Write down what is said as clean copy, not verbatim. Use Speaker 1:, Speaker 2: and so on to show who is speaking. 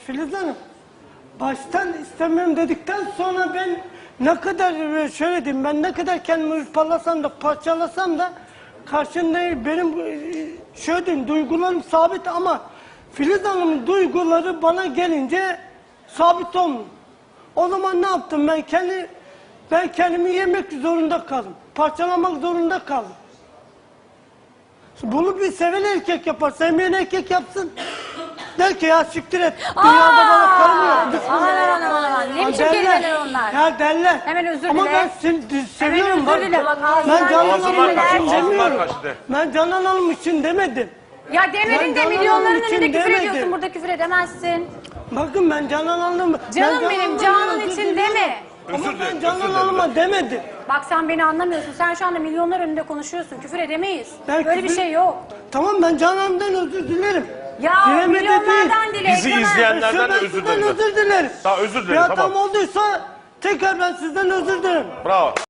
Speaker 1: Filiz Hanım, baştan istemiyorum dedikten sonra ben ne kadar şöyle diyeyim, ben ne kadar kendimi hırpalasam da parçalasam da karşında benim şöyle diyeyim, duygularım sabit ama Filiz Hanım'ın duyguları bana gelince sabit olmuyor. O zaman ne yaptım ben kendimi yemek zorunda kaldım. Parçalamak zorunda kaldım. Bunu bir seven erkek yapar, sevmeyen erkek yapsın. Der ki ya siktir et, dünyada bana karım yok.
Speaker 2: Aman. Ne biçim kelimeler onlar?
Speaker 1: Ya derler.
Speaker 2: Hemen özür dile.
Speaker 1: Ama ben seviyorum.
Speaker 2: Hemen özür dile. Bak,
Speaker 1: Ben Canan
Speaker 2: ağzından
Speaker 1: Hanım için
Speaker 2: kaçtı.
Speaker 1: demiyorum. Ben Canan Hanım için demedim.
Speaker 2: Ya demedin de
Speaker 1: Canan
Speaker 2: milyonların
Speaker 1: Hanım için
Speaker 2: önünde küfür
Speaker 1: demedim.
Speaker 2: ediyorsun. Burada küfür edemezsin.
Speaker 1: Bakın ben Canan Hanım...
Speaker 2: Canım benim, Canan için deme.
Speaker 1: Ama ben Canan Hanım'a demedim.
Speaker 2: Bak sen beni anlamıyorsun. Sen şu anda milyonlar önünde konuşuyorsun. Küfür edemeyiz.
Speaker 1: Ben
Speaker 2: Böyle bir
Speaker 1: küfür-
Speaker 2: şey yok.
Speaker 1: Tamam ben Canan Hanım'dan özür dilerim.
Speaker 2: Ya
Speaker 1: Dilemedi
Speaker 2: milyonlardan
Speaker 1: değil.
Speaker 2: dile.
Speaker 3: Bizi
Speaker 2: Ekrem.
Speaker 3: izleyenlerden de
Speaker 1: Ben
Speaker 3: özür
Speaker 1: sizden
Speaker 3: dilerim.
Speaker 1: özür dilerim.
Speaker 3: Tamam, özür dilerim,
Speaker 1: Bir hatam
Speaker 3: tamam.
Speaker 1: olduysa tekrar ben sizden özür dilerim.
Speaker 3: Bravo.